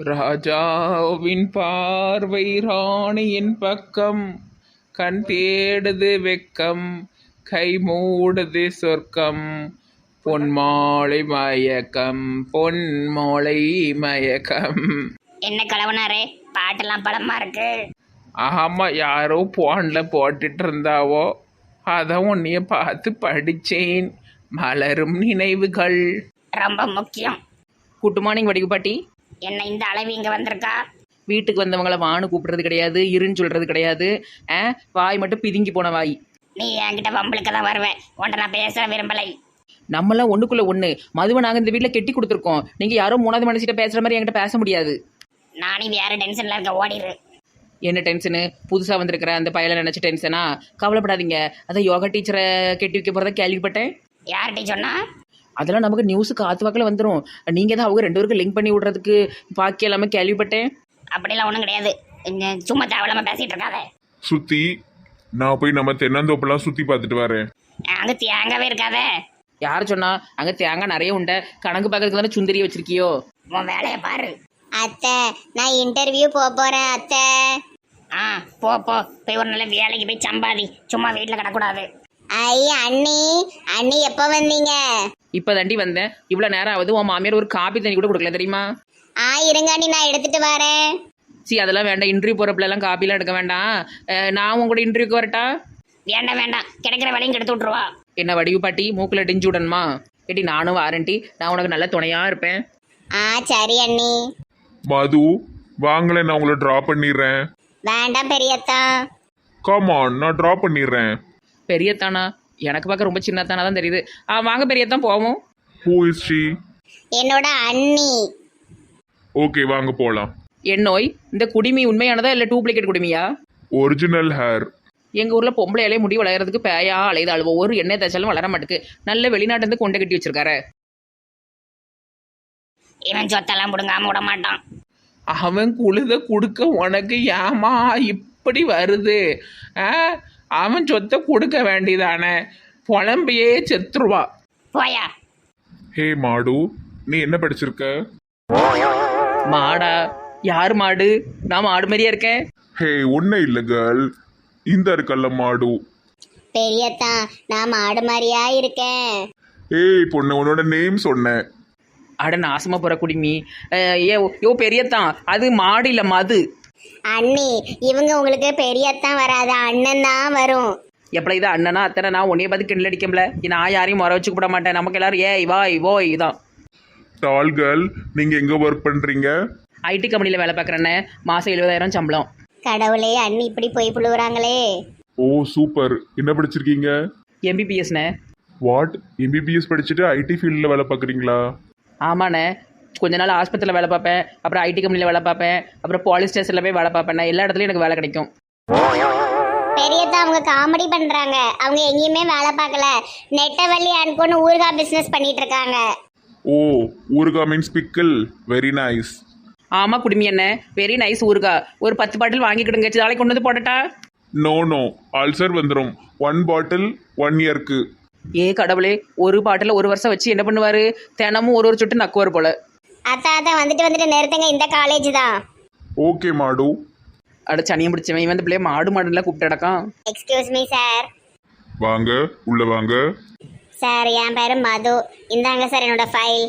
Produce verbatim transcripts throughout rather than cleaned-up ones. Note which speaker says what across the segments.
Speaker 1: ராஜாவின் பார்வை ராணியின் பக்கம், கண் தேடுது வெக்கம், கை மூடுது சொர்க்கம், பொன்மாலை மயக்கம், பொன்மாலை மயக்கம்.
Speaker 2: என்ன கலவனாரே, பாட்டெல்லாம் பலமா இருக்கு.
Speaker 1: ஆமா, யாரோ போன்ல போட்டுட்டு இருந்தாவோ, அதான் உன்னைய பார்த்து படிச்சேன். மலரும் நினைவுகள்.
Speaker 2: ரொம்ப முக்கியம்.
Speaker 3: குட் மார்னிங் வடிவு பாட்டி.
Speaker 2: என்ன இந்த அளவு இங்க வந்திருக்கா?
Speaker 3: வீட்டுக்கு வந்தவங்கள வான்னு கூப்பிடுறது கிடையாது, இருன்னு சொல்றது கிடையாது. ஆ, வாய் மட்டும் பிதுங்கி போன வாய்.
Speaker 2: நீ என்கிட்ட வம்பளுக்கு தான் வருவேன், உன்ட்ட நான் பேச விரும்பலை.
Speaker 3: நம்மளாம் ஒண்ணுக்குள்ள ஒண்ணு. மதுவை நாங்க இந்த வீட்டுல கெட்டி கொடுத்துருக்கோம். நீங்க யாரோ மூணாவது மனுஷிட்ட பேசுற மாதிரி என்கிட்ட பேச முடியாது.
Speaker 2: நானே வேற டென்ஷன்ல இருக்க, ஓடிடு.
Speaker 3: என்ன டென்ஷனு? புதுசா வந்திருக்கிற அந்த பயலை நினைச்ச டென்ஷனா? கவலைப்படாதீங்க. அதான் யோகா டீச்சரை கெட்டி வைக்க போறதா கேள்விப்பட்டேன்.
Speaker 2: யார்கிட்ட சொன்னா?
Speaker 3: அதெல்லாம் நமக்கு நியூஸுக்கு ஆத்து வாக்கில் வந்துடும். நீங்கள் தான் அவங்க ரெண்டு பேருக்கு லிங்க் பண்ணி விடுறதுக்கு பாக்கி எல்லாமே கேள்விப்பட்டேன்.
Speaker 2: அப்படிலாம் ஒன்றும் கிடையாது, சும்மா தேவையில்லாம பேசிட்டு இருக்காத.
Speaker 4: சுத்தி நான் போய் நம்ம தென்னந்தோப்பெல்லாம் சுத்தி பார்த்துட்டு வரேன்.
Speaker 2: அங்க தேங்காவே இருக்காத.
Speaker 3: யார் சொன்னா? அங்கே தேங்காய் நிறைய உண்ட. கணக்கு பார்க்கறதுக்கு தானே சுந்தரியை வச்சிருக்கியோ?
Speaker 2: உன் வேலையை பாரு.
Speaker 5: அத்தை, நான் இன்டர்வியூ போக போறேன் அத்தை.
Speaker 2: ஆ, போ போ போய் ஒரு நல்ல வேலைக்கு போய் சம்பாதி, சும்மா வீட்டில் கிடக்கூடாது.
Speaker 5: ஐ அண்ணி, அண்ணி எப்போ வந்தீங்க?
Speaker 3: இப்போ தாண்டி வந்தேன். இவ்வளோ நேரம் ஆகுது. உன் மாமியார் ஒரு காப்பி தண்ணி கூட கொடுக்கல தெரியுமா?
Speaker 5: ஆ இருங்க அண்ணி, நான் எடுத்துட்டு வரேன்.
Speaker 3: சி, அதெல்லாம் வேண்டாம். இன்டர்வியூ போகிறப்பெல்லாம் காப்பிலாம் எடுக்க வேண்டாம். அஹ், நான் உங்களோட இன்டர்வியூக்கு வரட்டா?
Speaker 2: வேண்டாம் வேண்டாம், கிடைக்கிற வேலையும் கெடுத்து விட்ருவா.
Speaker 3: என்ன வடிவு பாட்டி, மூக்கில் டிஞ்சு விடணுமா? ஏட்டி நானும் வாரண்டி, நான் உனக்கு நல்ல துணையாக இருப்பேன்.
Speaker 5: ஆ சரி அண்ணி.
Speaker 4: மது வாங்களேன், நான் உங்களை ட்ரா பண்ணிடுறேன்.
Speaker 5: வேண்டாம் பெரியத்தா.
Speaker 4: கமான், நான் ட்ரா பண்ணிடுறேன்.
Speaker 3: பெரியத்தானா? எனக்கு பார்க்க ரொம்ப சின்னத்தானா தான் தெரியுது. ஆ, வாங்க பெரியத்தான் போவோம்.
Speaker 4: Who is she?
Speaker 5: என்னோட அண்ணி.
Speaker 4: ஓகே, வாங்க போகலாம்.
Speaker 3: என் நோய் இந்த குடிமி உண்மையானதா இல்லை டூப்ளிகேட் குடிமியா?
Speaker 4: Original hair.
Speaker 3: எங்கள் ஊரில் பொம்பளையாலே முடி வளர்கிறதுக்கு பேயா அலையுது. அழுவ ஒரு எண்ணெய் தேய்ச்சாலும் வளர மாட்டுக்கு. நல்ல வெளிநாட்டிலேருந்து கொண்டை கட்டி வச்சிருக்காரு.
Speaker 2: இவன் சொத்தெல்லாம் பிடுங்காம விட மாட்டான்.
Speaker 1: அவன் குழுத கொடுக்க உனக்கு ஏமா இப்படி வருது? ஆ, அவன் சொத்தை கொடுக்க வேண்டியதானே, புலம்பியே செத்துருவா.
Speaker 2: போயா.
Speaker 4: ஹே மாடு, நீ என்ன படிச்சிருக்க?
Speaker 3: மாடா? யார் மாடு? நான் மாடு மாதிரியா இருக்கேன்.
Speaker 4: ஹே, ஒன்றும் இல்லை கேர்ள், இந்த இருக்கல்ல மாடு.
Speaker 5: பெரியத்தா, நான் மாடு மாதிரியா இருக்கேன்.
Speaker 4: ஏய் பொண்ணு, உன்னோட நேம் சொன்னேன்.
Speaker 3: அட நாசமா போற குடிமி. அஹ், ஏ யோ பெரியத்தான், அது மாடு இல்லை மது.
Speaker 5: அண்ணி, இவங்க உங்களுக்கு பெரியத்தான் வராது, அண்ணன் தான் வரும்.
Speaker 3: எப்படி இதான் அண்ணனா அத்தனை? நான் உன்னைய பார்த்து கிண்டல் அடிக்கல. நான் யாரையும் முறை வச்சுக்க விட மாட்டேன். நமக்கு எல்லாரும் ஏ இவா இவோ இதான்.
Speaker 4: டால் கேர்ள், நீங்கள் எங்கே ஒர்க் பண்ணுறீங்க?
Speaker 3: ஐடி கம்பெனியில் வேலை பார்க்குறேன்னே. மாதம் எழுபதாயிரம் சம்பளம்.
Speaker 5: கடவுளே, அண்ணி இப்படி போய் புழுவுறாங்களே.
Speaker 4: ஓ சூப்பர், என்ன படிச்சிருக்கீங்க?
Speaker 3: எம்பிபிஎஸ்ண்ணே.
Speaker 4: வாட், எம்பிபிஎஸ் படிச்சுட்டு ஐடி ஃபீல்டில் வேலை பார்க்குறீங்களா?
Speaker 3: ஆமாண்ணே. கொஞ்ச நாள் ஆஸ்பத்திரியில் வேலை பார்ப்பேன், அப்புறம் ஐடி கம்பெனியில் வேலை பார்ப்பேன், அப்புறம் போலீஸ் ஸ்டேஷனில் போய் வேலை பார்ப்பேன். எல்லா இடத்துலையும் எனக்கு வேலை கிடைக்கும்.
Speaker 5: பெரியத்தா, அவங்க காமெடி பண்றாங்க. அவங்க எங்கேயுமே வேலை பார்க்கல. நெட்டவள்ளி அனுப்புன்னு ஊர்கா பிசினஸ் பண்ணிட்டு இருக்காங்க.
Speaker 4: ஓ, ஊருகா மீன்ஸ் பிக்கிள். Very nice.
Speaker 3: ஆமாம் குடுமி என்ன, வெரி நைஸ் ஊருகா. ஒரு பத்து பாட்டில் வாங்கிக்கிடுங்க, நாளைக்கு கொண்டு வந்து போடட்டா?
Speaker 4: நோ நோ, அல்சர் வந்துடும். ஒன் பாட்டில் ஒன் இயர்க்கு.
Speaker 3: ஏ கடவுளே, ஒரு பாட்டில் ஒரு வருஷம் வச்சு என்ன பண்ணுவார்? தினமும் ஒரு ஒரு சொட்டு நக்குவார் போல.
Speaker 5: அத்தா அத்தா, வந்துட்டு வந்துட்டு நிறுத்துங்க, இந்த காலேஜ் தான்.
Speaker 4: ஓகே மாடு.
Speaker 3: அட சனியம் பிடிச்சவன் இவன். இந்த பிள்ளைய மாடு மாடுலாம் கூப்பிட்டு அடக்கான்.
Speaker 5: Excuse me sir.
Speaker 4: வாங்க, உள்ள வாங்க.
Speaker 5: சார், என் பேரு மது. இந்தாங்க சார் என்னோட file.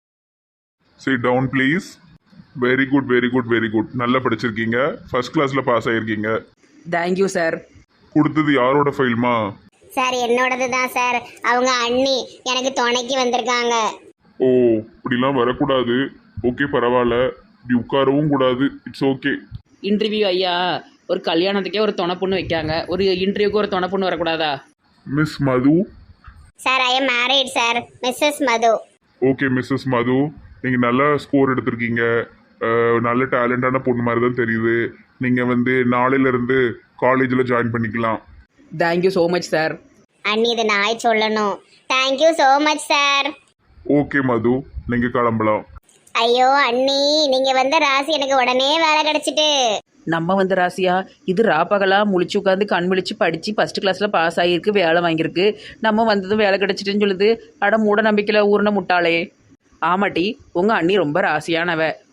Speaker 4: Sit down please. Very good very good very good, நல்லா படிச்சிருக்கீங்க. ஃபர்ஸ்ட் கிளாஸில் பாஸ் ஆகிருக்கீங்க.
Speaker 3: Thank you sir.
Speaker 4: கொடுத்தது யாரோட ஃபைல்மா?
Speaker 5: சார், என்னோடது தான் சார். அவங்க அண்ணி எனக்கு துணைக்கு வந்திருக்காங்க.
Speaker 4: ஓ, இப்படிலாம் வரக்கூடாது. ஓகே பரவாயில்ல, இப்படி உட்காரவும் கூடாது. It's okay.
Speaker 3: இன்டர்வியூ ஐயா, ஒரு கல்யாணத்துக்கே ஒரு துணை பொண்ணு வைக்காங்க, ஒரு இன்டர்வியூக்கு ஒரு துணை பொண்ணு வரக்கூடாதா?
Speaker 4: Miss Madhu.
Speaker 5: Sir, I am married sir, missus Madhu.
Speaker 4: Okay missus Madhu, நீங்கள் நல்லா ஸ்கோர் எடுத்திருக்கீங்க. அஹ், நல்ல டேலண்டான பொண்ணு மாதிரி தான் தெரியுது. நீங்கள் வந்து நாளையிலேருந்து காலேஜில் ஜாயின் பண்ணிக்கலாம்.
Speaker 3: Thank you so much sir.
Speaker 5: அண்ணி, இது நாய் சொல்லணும். Thank you so much sir.
Speaker 4: Okay Madhu, நீங்கள் கிளம்பலாம்.
Speaker 5: ஐயோ அண்ணி, நீங்க வந்த ராசி எனக்கு உடனே வேலை கிடைச்சிட்டு.
Speaker 3: நம்ம வந்து ராசியா? இது ராப்பகலா முழிச்சு உட்காந்து கண் விழிச்சு படித்து ஃபஸ்ட்டு கிளாஸில் பாஸ் ஆகியிருக்கு, வேலை வாங்கியிருக்கு. நம்ம வந்ததும் வேலை கிடச்சிட்டுன்னு சொல்லுது. அட மூட நம்பிக்கையில் ஊர்ன முட்டாளே. ஆமாட்டி, உங்கள் அண்ணி ரொம்ப ராசியானவ.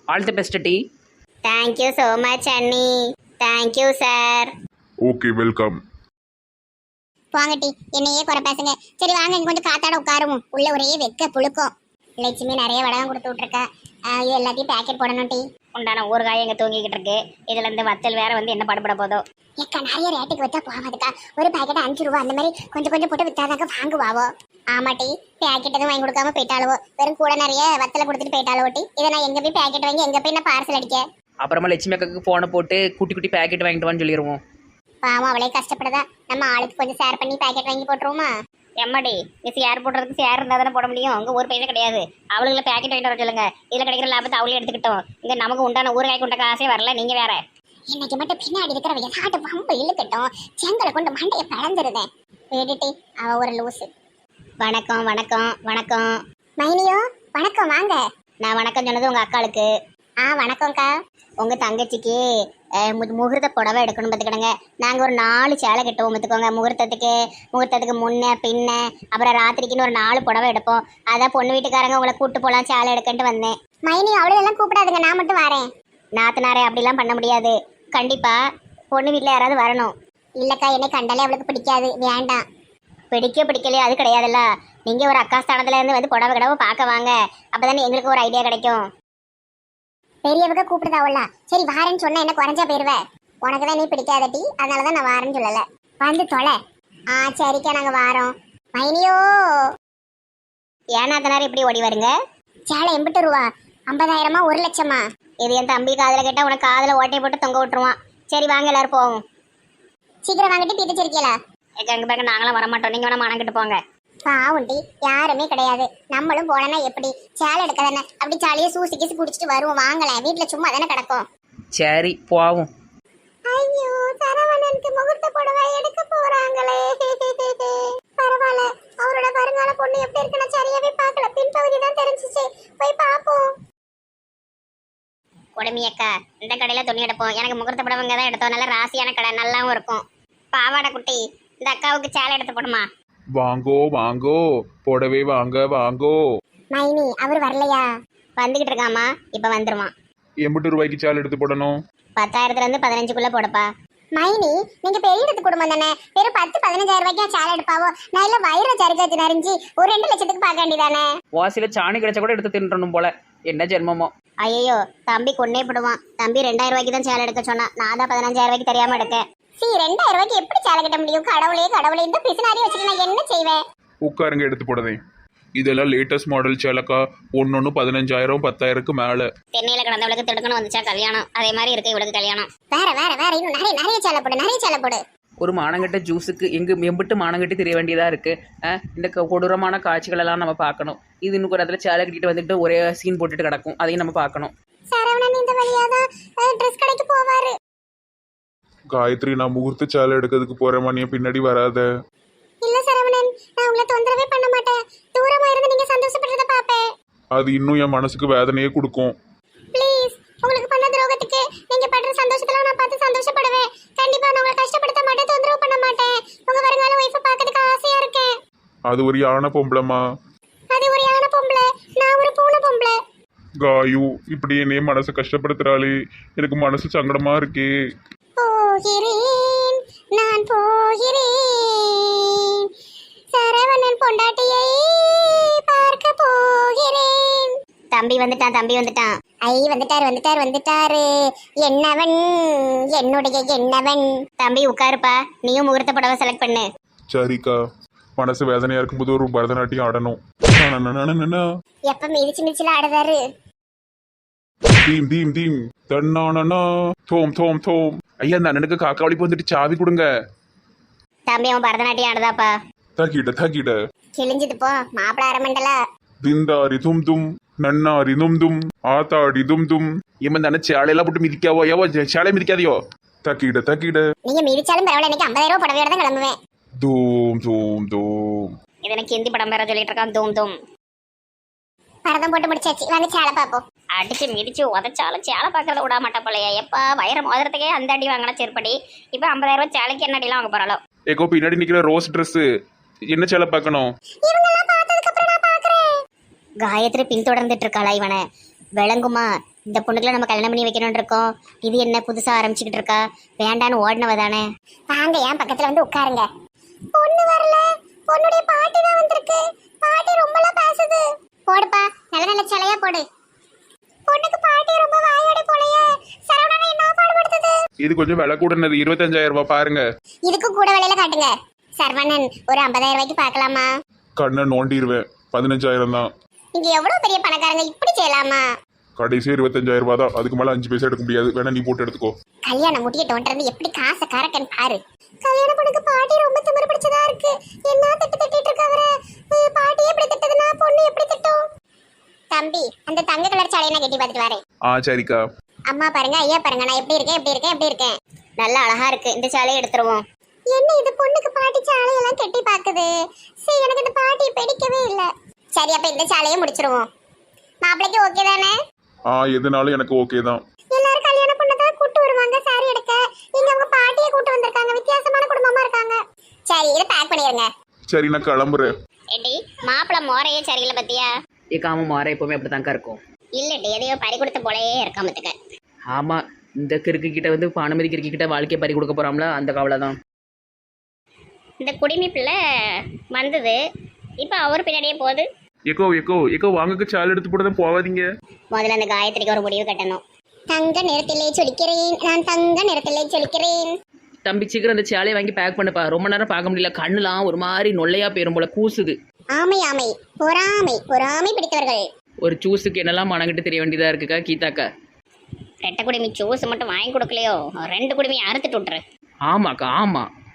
Speaker 3: ஆல் தி பெஸ்ட் டி.
Speaker 5: தேங்க்யூ ஸோ மச் அண்ணி. Thank you sir.
Speaker 4: Okay welcome.
Speaker 5: வாங்க டி, என்னையே குறை பேசுங்க. சரி வாங்க இங்க கொஞ்சம் காத்தாட உட்காருவோம். உள்ள ஒரே வெக்க புழுக்கம். லட்சுமி நிறைய வடகம் கொடுத்து விட்டுருக்கா. ஆஹ் இது எல்லாத்தையும் பேக்கெட் போடணும் டி.
Speaker 2: உண்டான ஊறுகாய் எங்க தூங்கிக்கிட்டு இருக்கு. இதுல இருந்து வத்தல் வேற வந்து என்ன பாடுபட போதோ.
Speaker 5: ஏக்கா நிறைய ரேட்டுக்கு வச்சா போகாதுக்கா. ஒரு பேக்கெட் அஞ்சு ரூபா அந்த மாதிரி கொஞ்சம் கொஞ்சம் போட்டு வித்தாதாக்க வாங்குவாவோ. ஆமா டி, பேக்கெட் எதுவும் வாங்கி கொடுக்காம போயிட்டாலுவோ. வெறும் கூட நிறைய வத்தலை கொடுத்துட்டு போயிட்டாலோ டி. இதை நான் எங்க போய் பேக்கெட் வாங்கி எங்க போய் நான் பார்சல் அடிக்க.
Speaker 3: அப்புறமா லட்சுமி அக்காக்கு ஃபோனை போட்டு குட்டி குட்டி பேக்கெட் வாங்கிட்டு வான்னு சொல்லிடுவோம்.
Speaker 5: பாவம் அவளே கஷ்டப்படுதா. நம்ம ஆளுக்கு கொஞ்சம் ஷேர் பண்ணி பேக்கெட் வாங்கி போட்டுருவோமா?
Speaker 2: எம்மாடி நீ சேர் போடுறதுக்கு சேர் இருந்தால் தானே போட முடியும். அங்கே ஒரு பைசா கிடையாது. அவளுக்குள்ள பேக்கெட் வாங்கிட்டு வர சொல்லுங்க. இதில் கிடைக்கிற லாபத்தை அவளே எடுத்துக்கிட்டோம். இங்கே நமக்கு உண்டான ஊறுகாய் கொண்ட காசே வரல. நீங்க வேற
Speaker 5: இன்னைக்கு மட்டும் பின்னாடி இருக்கிற விளையாட்டு பம்பு இழுக்கட்டும். செங்கலை கொண்டு மண்டையை பிளந்துருதேன். வேடிட்டி அவ ஒரு லூசு.
Speaker 2: வணக்கம் வணக்கம் வணக்கம்.
Speaker 5: மைனியோ வணக்கம் வாங்க.
Speaker 2: நான் வணக்கம் சொன்னது உங்க அக்காளுக்கு.
Speaker 5: ஆ வணக்கம்க்கா.
Speaker 2: உங்க தங்கச்சிக்கு அஹ், மு- முகூர்த்த புடவை எடுக்கணும் பார்த்துக்கிடுங்க. நாங்கள் ஒரு நாலு சேலை கட்டுவோம் பார்த்துக்கோங்க. முகூர்த்தத்துக்கு முகூர்த்தத்துக்கு முன்ன பின்ன அப்புறம் ராத்திரிக்குன்னு ஒரு நாலு புடவை எடுப்போம். அதான் பொண்ணு வீட்டுக்காரங்க உங்களை கூட்டு போகலாம் சேலை எடுக்கன்ட்டு வந்தேன்.
Speaker 5: மைனி அவ்வளோ எல்லாம் கூப்பிடாதுங்க, நான் மட்டும் வரேன்.
Speaker 2: நாத்தனாரே அப்படிலாம் பண்ண முடியாது. கண்டிப்பா பொண்ணு வீட்டில் யாராவது வரணும்.
Speaker 5: இல்லக்கா என்னை கண்டாலே அவளுக்கு பிடிக்காது, வேண்டாம்.
Speaker 2: பிடிக்க பிடிக்கலையோ அது கிடையாதுல்ல. நீங்க ஒரு அக்கா ஸ்தானத்துல இருந்து வந்து புடவை கடவை பார்க்க வாங்க. அப்பதானே எங்களுக்கு ஒரு ஐடியா கிடைக்கும்.
Speaker 5: பெரியவங்க கூப்பிடுதாவுல. சரி வாரேன்னு சொன்னா என்ன குறைஞ்சா போயிருவ? உனக்கு தான் நீ பிடிக்காதட்டி, அதனாலதான் நான் வாரேன்னு சொல்லல. வந்து தொலை. ஆ சரிக்கா நாங்க வாரோம். மைனியோ
Speaker 2: ஏன் நாத்தனார் இப்படி ஓடி வருங்க?
Speaker 5: சேலை எண்பது ரூபா. ஐம்பதாயிரமா ஒரு லட்சமா?
Speaker 2: இது என் தம்பி காதுல கேட்டா உனக்கு காதுல ஓட்டையை போட்டு தொங்க விட்டுருவான். சரி வாங்க எல்லாரும் போவோம்.
Speaker 5: சீக்கிரம் வாங்கிட்டு தீர்த்துச்சிருக்கீங்களா?
Speaker 2: எங்க பாக்க நாங்களாம் வரமாட்டோம். நீங்க வேணா மணங்கிட்டு போங்க.
Speaker 5: பாவுண்டி யாருமே கிடையாது. நம்மளும் போனா எப்படி சேலை எடுக்க தானே அப்படி சாலியே சூசி கீசி குடிச்சிட்டு வருவோம். வாங்கல வீட்டுல சும்மா தானே கிடக்கும்.
Speaker 3: சரி போவோம்.
Speaker 5: ஐயோ சரவணனுக்கு முகூர்த்த புடவை எடுக்க போறாங்களே. பரவாயில்ல, அவரோட வருங்கால பொண்ணு எப்படி இருக்குன்னு சரியாவே பார்க்கல. பின்பகுதி தான் தெரிஞ்சிச்சு. போய் பாப்போம்.
Speaker 2: உடமையக்கா இந்த கடையில துணி எடுப்போம். எனக்கு முகூர்த்த புடவைங்க தான் எடுத்தோம். நல்ல ராசியான கடை, நல்லாவும் இருக்கும். பாவாடை குட்டி இந்த அக்காவுக்கு சேலை எடுத்து போடுமா?
Speaker 1: வாங்கோ வாங்கோ புடவை வாங்க வாங்கோ.
Speaker 5: மைனி அவர் வரலையா?
Speaker 2: வந்துகிட்டு இருக்காமா, இப்ப வந்துருவான்.
Speaker 1: எண்பது ரூபாய்க்கு சேலை எடுத்து போடணும்.
Speaker 2: பத்தாயிரத்துல இருந்து பதினஞ்சுக்குள்ள போடப்பா.
Speaker 5: மைனி நீங்க பெரிய இடத்து குடும்பம் தானே, வெறும் பத்து பதினஞ்சாயிரம் ரூபாய்க்கு சேலை எடுப்பாவோ? நான் இல்ல வயிறு சரிக்காச்சு நரிஞ்சு ஒரு ரெண்டு லட்சத்துக்கு பார்க்க வேண்டியதானே?
Speaker 3: வாசியில சாணி கிடைச்சா கூட எடுத்து தின்றணும் போல. என்ன ஜென்மமோ.
Speaker 2: ஐயோ தம்பி கொன்னே போடுவான். தம்பி ரெண்டாயிரம் ரூபாய்க்கு தான் சேலை எடுக்க சொன்னா. நான் தான் பதினஞ்சாயிரம் ரூபாய்க்கு தெரியாம எடுக்கேன்.
Speaker 5: சி ரெண்டாயிரம் ரூபாய்க்கு எப்படி சேலை கட்ட முடியும்? கடவுளே கடவுளே, இந்த பிசினாரி வச்சுட்டு நான் என்ன செய்வேன்?
Speaker 1: உட்காருங்க எடுத்து போடுதேன். இதெல்லாம் லேட்டஸ்ட் மாடல் சேலைக்கா. ஒன்னொன்னு பதினஞ்சாயிரம் பத்தாயிரத்துக்கு மேல.
Speaker 2: தென்னையில கிடந்தவளுக்கு திடுக்கணும் வந்துச்சா கல்யாணம். அதே மாதிரி இருக்கு இவளுக்கு கல்யாணம்.
Speaker 5: வேற வேற வேற இன்னும் நிறைய நிறைய சேலை போடு, நிறைய சேலை போடு.
Speaker 3: ஒரு மானங்கட்ட ஜூஸுக்கு எங்க எம்பிட்டு மானங்கட்டி தெரிய வேண்டியதா இருக்கு. அஹ், இந்த க- கொடூரமான காட்சிகள் எல்லாம் நம்ம பார்க்கணும். இது இன்னும் ஒரு இடத்துல சேலை கட்டிட்டு வந்துட்டு ஒரே சீன் போட்டுட்டு கிடக்கும். அதையும் நம்ம பார்க்கணும்.
Speaker 5: சரவணன் இந்த வழியாதான் ட்ரெஸ் கடைக்கு போவாரு.
Speaker 4: காயத்ரி, நான் முகூர்த்த சேலை எடுக்கிறதுக்கு போறேம்மா, நீ பின்னாடி வராத.
Speaker 5: இல்ல சரவணன், நான் உங்களை தொந்தரவே பண்ண மாட்டேன். தூரமா இருந்து நீங்க சந்தோஷப்படுறத பாப்பேன்.
Speaker 4: அது இன்னும் என் மனசுக்கு வேதனையே கொடுக்கும்.
Speaker 5: ப்ளீஸ், உங்களுக்கு பண்ண துரோகத்துக்கு நீங்க படுற சந்தோஷத்துல நான் பார்த்து சந்தோஷப்படுவேன். கண்டிப்பா நான் உங்களை கஷ்டப்படுத்த மாட்டேன், தொந்தரவு பண்ண மாட்டேன். உங்க வருங்கால ஒய்ஃபை பார்க்கறதுக்கு ஆசையா இருக்கேன்.
Speaker 4: அது ஒரு யானை பொம்பளைமா.
Speaker 5: அது ஒரு யானை பொம்பளை, நான் ஒரு பூனை பொம்பளை.
Speaker 4: காயு இப்படி என்னையே மனசை கஷ்டப்படுத்துறாளே, எனக்கு மனசு சங்கடமா இருக்கே.
Speaker 5: போகிறேன் நான் போகிறேன், சரவணன் பொண்டாட்டியை பார்க்க போகிறேன்.
Speaker 2: தம்பி வந்துட்டான் தம்பி வந்துட்டான்.
Speaker 5: ஐ வந்துட்டாரு வந்துட்டாரு வந்துட்டாரு. என்னவன் என்னுடைய என்னவன்.
Speaker 2: தம்பி உட்காருப்பா. நீயும் முகூர்த்த புடவை செலக்ட் பண்ணு.
Speaker 4: சரிக்கா, மனசு வேதனையா இருக்கும்போது ஒரு பரதநாட்டியம் ஆடணும். நனனனனனனா.
Speaker 5: எப்ப மிதிச்சு மிதிச்சுல ஆடுதாரு.
Speaker 4: தீம் தீம் தீம் தன்னானனா தோம் தோம் தோம்.
Speaker 1: ஐயா அந்த அண்ணனுக்கு காக்காவளிப்பு வந்துட்டு சாவி கொடுங்க.
Speaker 2: தம்பி அவன் பரதநாட்டியம் ஆடுதாப்பா.
Speaker 4: தகிட தகிட
Speaker 5: கிழிஞ்சது போ மாப்பிள அரமண்டல.
Speaker 4: திந்தாரி தும் தும் நன்னாரி தும் தும் ஆத்தாடி தும் தும்.
Speaker 1: இவன் தானே சேலையெல்லாம் போட்டு மிதிக்காவோ? ஏவோ சேலை மிதிக்காதியோ?
Speaker 4: தகிட தகிட
Speaker 5: நீங்க மிதிச்சாலும் பரவாயில்ல, எனக்கு ஐம்பதாயிரம் ரூபாய் புடவையோட தான் கிளம்புவேன்.
Speaker 4: தூம் தூம் தூம்.
Speaker 2: இது எனக்கு ஹிந்தி படம் பேர சொல்லிட்டு இருக்கான். தூம் தூம்.
Speaker 5: பரதம் போட்டு முடிச்சாச்சு, வாங்க சேலை பாப்போம்.
Speaker 2: அடிச்சு மிதிச்சு உதச்சாலும் சேலை பார்க்கறத விட மாட்டா போலையா? எப்பா வயிறு மோதிரத்துக்கே அந்த அடி வாங்கினா செருப்படி. இப்போ ஐம்பதாயிரம் ரூபாய் சேலைக்கு என்ன அடிலாம் வாங்க போறாளோ?
Speaker 1: ஏகோ பின்னாடி நிக்கிற ரோஸ் ட்ரெஸ் என்ன சேலை பார்க்கணும்?
Speaker 5: இவங்கெல்லாம் பார்த்ததுக்கு அப்புறம் நான் பாக்குறேன்.
Speaker 2: காயத்ரி பின்தொடர்ந்துட்டு இருக்காளா இவனை? விளங்குமா? இந்த பொண்ணுக்குலாம் நம்ம கல்யாணம் பண்ணி வைக்கணும்னு இருக்கோம். இது என்ன புதுசா ஆரம்பிச்சுக்கிட்டு இருக்கா? வேண்டான்னு ஓடினவ தானே.
Speaker 5: வாங்க ஏன் பக்கத்துல வந்து உட்காருங்க. பொண்ணு வரல, பொண்ணுடைய பாட்டி தான் வந்திருக்கு. பாட்டி ரொம்பலாம் பேசுது. போடுப்பா, நல்ல நல்ல சிலையா போடு. பொண்ணுக்கு பாட்டி ரொம்ப வாயோட போலையே. சரவணனை என்ன பாடுபடுத்துது?
Speaker 1: இது கொஞ்சம் விலை கூடனது, இருபத்தஞ்சாயிரம் ரூபாய் பாருங்க.
Speaker 5: இதுக்கு கூட விலையில காட்டுங்க. சரவணன் ஒரு ஐம்பதாயிரம் ரூபாய்க்கு பார்க்கலாமா?
Speaker 4: கண்ணை நோண்டிடுவேன். பதினஞ்சாயிரம் தான்.
Speaker 5: நீங்க எவ்வளவு பெரிய பணக்காரங்க, இப்படி செய்யலாமா?
Speaker 4: கடைசி இருபத்தஞ்சாயிரம் ரூபாய் தான். அதுக்கு மேல அஞ்சு பைசா எடுக்க முடியாது. வேணா நீ போட்டு எடுத்துக்கோ.
Speaker 5: கல்யாணம் முடிய தோன்றது எப்படி காசை கறக்கன்னு பாரு. கல்யாண பொண்ணுக்கு பாட்டி ரொம்ப திமிரு பிடிச்சதா இருக்கு. என்ன திட்டு திட்டிட்டு இருக்காவர. பாட்டி எப்படி திட்டதுன்னா பொண்ணு எப்படி திட்டும்? தம்பி, அந்த தங்க கலர் சாலையை நான் கட்டி பார்த்துட்டு வரேன்.
Speaker 1: ஆ சரிக்கா.
Speaker 5: அம்மா பாருங்க, ஐயா பாருங்க, நான் எப்படி இருக்கேன் எப்படி இருக்கேன் எப்படி இருக்கேன்.
Speaker 2: நல்லா அழகா இருக்கு. இந்த சேலையை எடுத்துருவோம்.
Speaker 5: என்ன இது பொண்ணுக்கு பாட்டி சாலையெல்லாம் கட்டி பாக்குது. சரி, எனக்கு இந்த பாட்டி பிடிக்கவே இல்ல. சரி, அப்ப இந்த சாலையை முடிச்சிருவோம். மாப்பிளைக்கு ஓகே தானே?
Speaker 4: ஆ எதுனாலும் எனக்கு ஓகே தான்.
Speaker 5: எல்லாரும் கல்யாண பொண்ணதான் கூட்டு வருவாங்க சாரி எடுக்க. இங்க அவங்க பாட்டியை கூட்டு வந்திருக்காங்க. வித்தியாசமான குடும்பமா இருக்காங்க. சரி, இதை பேக் பண்ணிருங்க.
Speaker 4: சரி, நான் கிளம்புறேன்.
Speaker 2: ஏடி மாப்பிள்ள மோரையே சரியில்லை பத்தியா?
Speaker 3: ஏக்காம மாற எப்பவுமே அப்படி தாங்க இருக்கும்.
Speaker 2: இல்லடி எதையோ பறி கொடுத்த போலயே இருக்காமத்துக்க.
Speaker 3: ஆமாம், இந்த கிறுக்கு கிட்ட வந்து பானுமதி கிறுக்கு கிட்ட வாழ்க்கையை பறி கொடுக்க போகிறாங்களா, அந்த கவலை தான்.
Speaker 2: இந்த குடிமி பிள்ளை வந்தது, இப்போ அவர் பின்னாடியே போகுது.
Speaker 1: எக்கோ எக்கோ எக்கோ வாங்கக்கு சேலை எடுத்து போட்டு தான் போகாதீங்க.
Speaker 2: முதல்ல அந்த காயத்ரிக்கு ஒரு முடிவு கட்டணும்.
Speaker 5: தங்க நிறத்திலே சொலிக்கிறேன், நான் தங்க நிறத்திலே சொலிக்கிறேன்.
Speaker 3: தம்பி சீக்கிரம் அந்த சேலையை வாங்கி பேக் பண்ணுப்பா. ரொம்ப நேரம் பார்க்க முடியல, கண்ணுலாம் ஒரு மாதிரி நொல்லையா போயிரும் போல, கூசுது.
Speaker 5: ஆமை ஆமை, பொறாமை பொறாமை பிடித்தவர்கள்.
Speaker 3: ஒரு ஜூஸுக்கு என்னெல்லாம் மனங்கிட்டு தெரிய வேண்டியதாக இருக்குக்கா கீதாக்கா.
Speaker 2: ரெட்டை குடிமி ஜூஸ் மட்டும் வாங்கி கொடுக்கலையோ, ரெண்டு குடிமி அறுத்துட்டு விட்டுரு.
Speaker 3: ஆமாக்கா ஆமாம்.